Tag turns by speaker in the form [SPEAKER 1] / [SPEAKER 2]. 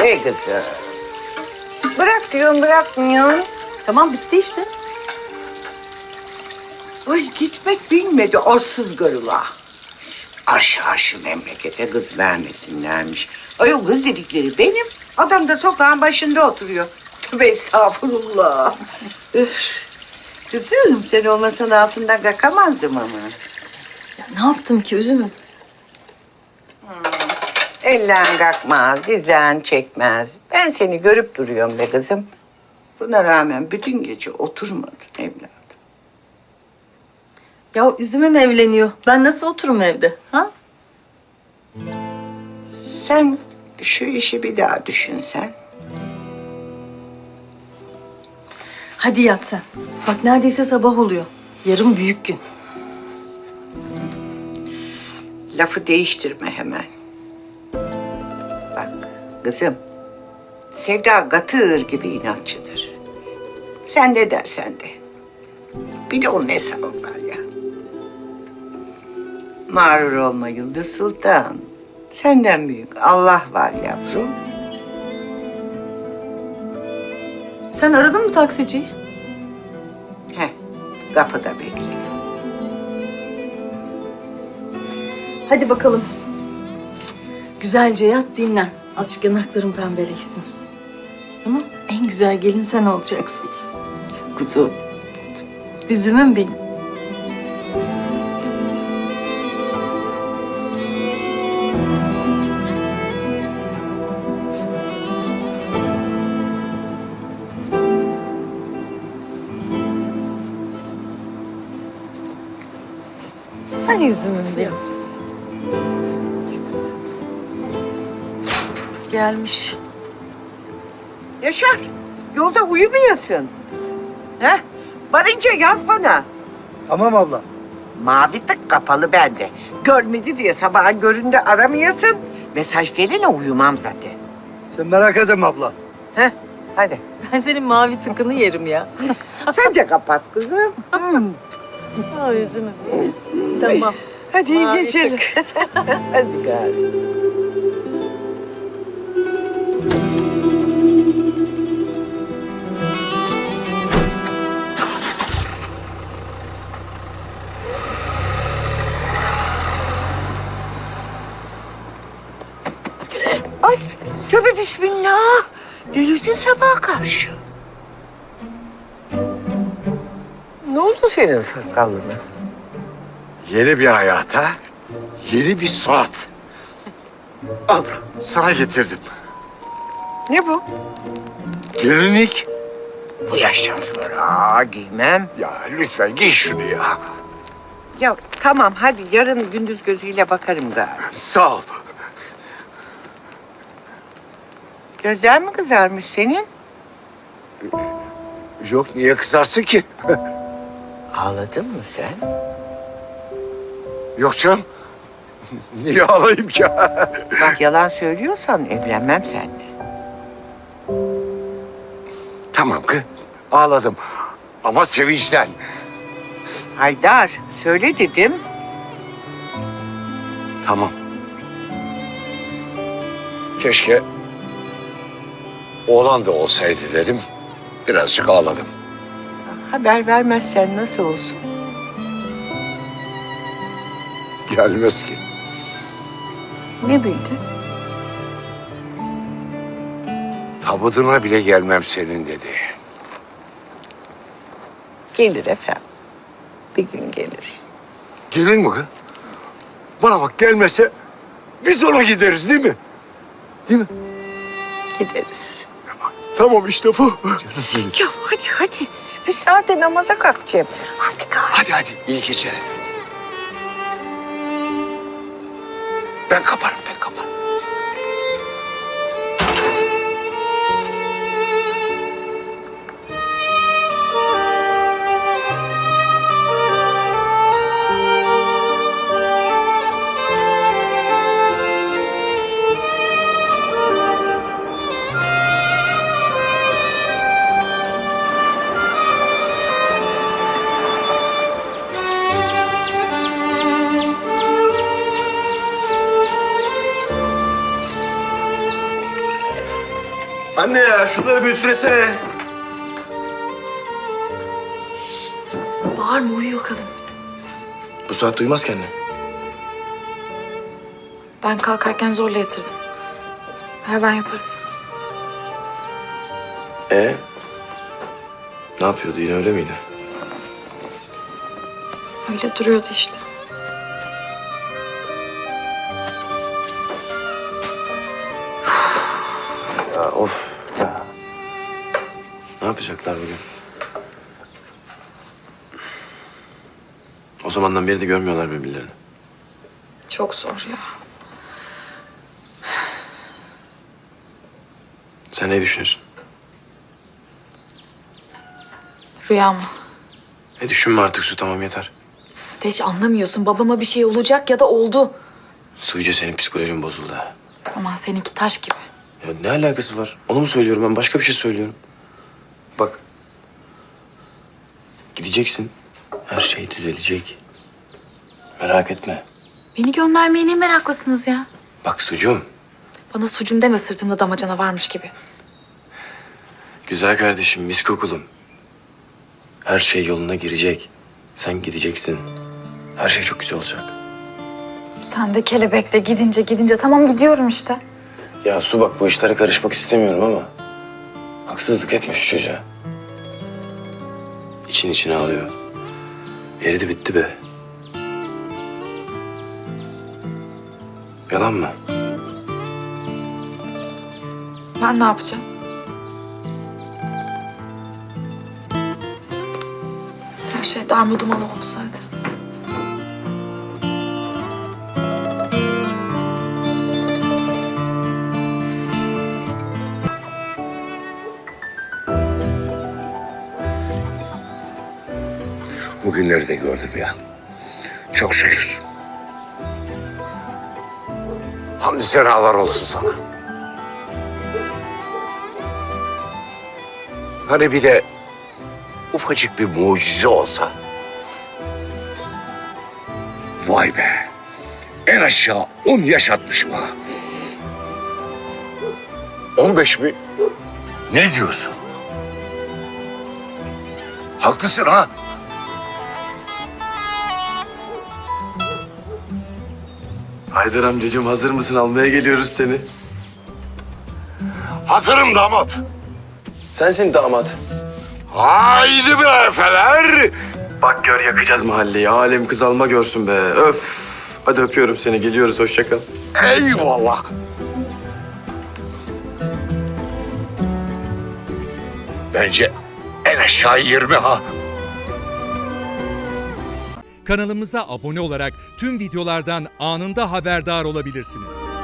[SPEAKER 1] Hey kızım. Bırak diyorum, bırakmıyorsun.
[SPEAKER 2] Tamam bitti işte.
[SPEAKER 1] Ay gitmek bilmedi arsız garıla. Arşı memlekete kız vermesinlermiş. Ay o kız dedikleri benim. Adam da sokağın başında oturuyor. Tövbe estağfurullah. Üf. Kızım sen olmasan altından kalkamazdım ama.
[SPEAKER 2] Ya ne yaptım ki üzümüm?
[SPEAKER 1] Ellen kalkmaz, dizen çekmez. Ben seni görüp duruyorum be kızım. Buna rağmen bütün gece oturmadın evladım.
[SPEAKER 2] Ya üzümüm evleniyor. Ben nasıl oturum evde? Ha?
[SPEAKER 1] Sen şu işi bir daha düşünsen.
[SPEAKER 2] Hadi yat sen. Bak neredeyse sabah oluyor. Yarın büyük gün.
[SPEAKER 1] Lafı değiştirme hemen. Bak kızım, Sevda katır gibi inatçıdır. Sen ne dersen de. Bir de onun hesabı var ya. Mağrur olma Yıldız Sultan. Senden büyük Allah var yavrum.
[SPEAKER 2] Sen aradın mı taksiciyi?
[SPEAKER 1] Heh, kapıda bekliyor.
[SPEAKER 2] Hadi bakalım. Güzelce yat dinlen. Azıcık yanakların pembeleşsin. Tamam. En güzel gelin sen olacaksın.
[SPEAKER 1] Kuzum.
[SPEAKER 2] Üzümüm benim. Hani üzümüm benim. Gelmiş.
[SPEAKER 1] Yaşar, yolda uyumayasın. Heh, varınca yaz bana.
[SPEAKER 3] Tamam abla.
[SPEAKER 1] Mavi tık kapalı bende. Görmedi diye sabahın köründe aramayasın. Mesaj gelene uyumam zaten.
[SPEAKER 3] Sen merak etme abla.
[SPEAKER 1] Heh, hadi.
[SPEAKER 2] Ben senin mavi tıkını yerim ya.
[SPEAKER 1] Sen de kapat kızım.
[SPEAKER 2] Ha üzümüm. Tamam.
[SPEAKER 1] Hadi iyi
[SPEAKER 2] Mavi
[SPEAKER 1] geceler. Hadi gari. Ay, tövbe bismillah. Delirdin sabaha karşı. Ne oldu senin sakalına?
[SPEAKER 4] Yeni bir hayata, yeni bir surat. Al, sana getirdim.
[SPEAKER 1] Ne bu?
[SPEAKER 4] Gelinlik.
[SPEAKER 1] Bu yaştan sonra giymem.
[SPEAKER 4] Ya lütfen giy şunu ya.
[SPEAKER 1] Ya tamam hadi yarın gündüz gözüyle bakarım gari.
[SPEAKER 4] Sağ ol.
[SPEAKER 1] Gözler mi kızarmış senin?
[SPEAKER 4] Yok, niye kızarsın ki?
[SPEAKER 1] Ağladın mı sen?
[SPEAKER 4] Yok canım. Niye ağlayayım ki?
[SPEAKER 1] Bak yalan söylüyorsan evlenmem seninle.
[SPEAKER 4] Tamam kız, ağladım. Ama sevinçten.
[SPEAKER 1] Haydar söyle dedim.
[SPEAKER 4] Tamam. Keşke oğlan da olsaydı dedim. Birazcık ağladım.
[SPEAKER 1] Haber vermezsen nasıl olsun?
[SPEAKER 4] Gelmez ki.
[SPEAKER 1] Ne bildin?
[SPEAKER 4] Tabutuna bile gelmem senin dedi.
[SPEAKER 1] Gelir efendim. Bir gün gelir.
[SPEAKER 4] Gelir mi kız? Bana bak, gelmese biz ona gideriz değil mi? Değil mi?
[SPEAKER 1] Gideriz.
[SPEAKER 4] Tamam işte bu.
[SPEAKER 1] Ya hadi. Bir saate namaza kalkacağım. Hadi gari.
[SPEAKER 4] Hadi iyi geceler. Ben kaparım.
[SPEAKER 5] Anne ya şunları bir ütülesene.
[SPEAKER 6] Bağırma, uyuyor kadın.
[SPEAKER 5] Bu saat duymaz kendini.
[SPEAKER 6] Ben kalkarken zorla yatırdım. Ver, ben yaparım.
[SPEAKER 5] Ne yapıyordu yine, öyle miydi?
[SPEAKER 6] Öyle duruyordu işte.
[SPEAKER 5] Ya of ya. Ne yapacaklar bugün? O zamandan beri de görmüyorlar birbirlerini.
[SPEAKER 6] Çok zor ya.
[SPEAKER 5] Sen ne düşünüyorsun?
[SPEAKER 6] Rüya mı?
[SPEAKER 5] Ne düşünme artık Su, tamam yeter.
[SPEAKER 6] Hiç anlamıyorsun. Babama bir şey olacak ya da oldu.
[SPEAKER 5] Su, iyice senin psikolojin bozuldu ha.
[SPEAKER 6] Aman seninki taş gibi.
[SPEAKER 5] Ya ne alakası var? Onu mu söylüyorum ben? Başka bir şey söylüyorum. Bak. Gideceksin. Her şey düzelecek. Merak etme.
[SPEAKER 6] Beni göndermeye ne meraklısınız ya?
[SPEAKER 5] Bak Sucuğum.
[SPEAKER 6] Bana sucum deme, sırtımda damacana varmış gibi.
[SPEAKER 5] Güzel kardeşim, mis kokulum. Her şey yoluna girecek. Sen gideceksin. Her şey çok güzel olacak.
[SPEAKER 6] Sen de kelebekle gidince tamam gidiyorum işte.
[SPEAKER 5] Ya Su, bak bu işlere karışmak istemiyorum ama haksızlık etme şu çocuğa. İçin içine alıyor. Eridi bitti be. Yalan mı?
[SPEAKER 6] Ben ne yapacağım? Her şey darmaduman oldu zaten.
[SPEAKER 4] Bugünleri de gördüm ya. Çok şükür. Hamdü senalar olsun sana. Hani bir de ufacık bir mucize olsa. Vay be. En aşağı 10 yaşatmışım ha. 15 mi? Ne diyorsun? Haklısın ha.
[SPEAKER 5] Haydar amcacığım, hazır mısın? Almaya geliyoruz seni.
[SPEAKER 4] Hazırım damat.
[SPEAKER 5] Sensin damat.
[SPEAKER 4] Haydi bre efeler.
[SPEAKER 5] Bak gör, yakacağız mahalleyi. Alem kız alma görsün be. Öf. Hadi öpüyorum seni. Geliyoruz. Hoşça kal.
[SPEAKER 4] Eyvallah. Bence en aşağı 20 ha.
[SPEAKER 7] Kanalımıza abone olarak tüm videolardan anında haberdar olabilirsiniz.